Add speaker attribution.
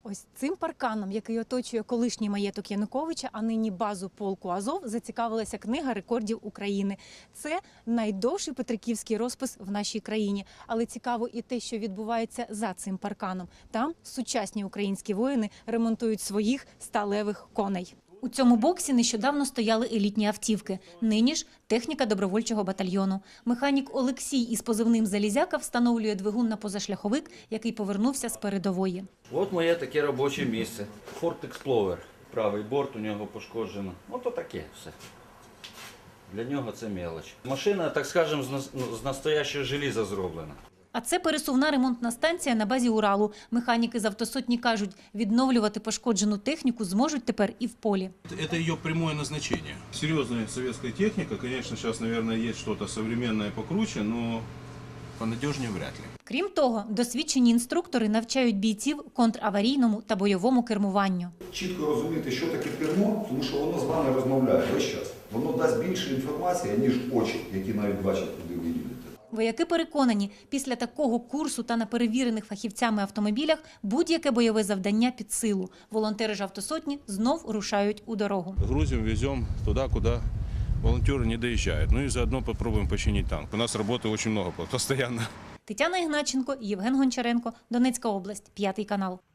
Speaker 1: Ось цим парканом, який оточує колишній маєток Януковича, а нині базу полку Азов, зацікавилася Книга рекордів України. Це найдовший петриківський розпис в нашій країні. Але цікаво і те, що відбувається за цим парканом. Там сучасні українські воїни ремонтують своїх сталевих коней. У цьому боксі нещодавно стояли елітні автівки. Нині ж техніка добровольчого батальйону. Механік Олексій із позивним «Залізяка» встановлює двигун на позашляховик, який повернувся з передової.
Speaker 2: От моє таке робоче місце. Ford Explorer. Правий борт у нього пошкоджено. Ото таке все. Для нього це мелоч. Машина, так скажемо, з настоящого желіза зроблена.
Speaker 1: А це пересувна ремонтна станція на базі Уралу. Механіки з автосотні кажуть, відновлювати пошкоджену техніку зможуть тепер і в полі.
Speaker 3: Это ее прямое назначение. Серьезная советская техника, конечно, сейчас, наверное, есть что-то современное покруче, но понадежнее вряд ли.
Speaker 1: Крім того, досвідчені інструктори навчають бійців контраварійному та бойовому кермуванню.
Speaker 4: Чітко розуміти, що таке кермо, тому що воно з вами розмовляє весь час. Воно дасть більше інформації, ніж очі, які навіть бачать, куди ви їдете.
Speaker 1: Вояки переконані, після такого курсу та на перевірених фахівцями автомобілях будь-яке бойове завдання під силу. Волонтери ж автосотні знов рушають у дорогу.
Speaker 3: Грузим, везем туда, куда волонтеры не доезжают. Ну и заодно попробуем починить танк. У нас работы очень много, постоянно.
Speaker 1: Тетяна Ігначенко, Євген Гончаренко, Донецька область, 5 канал.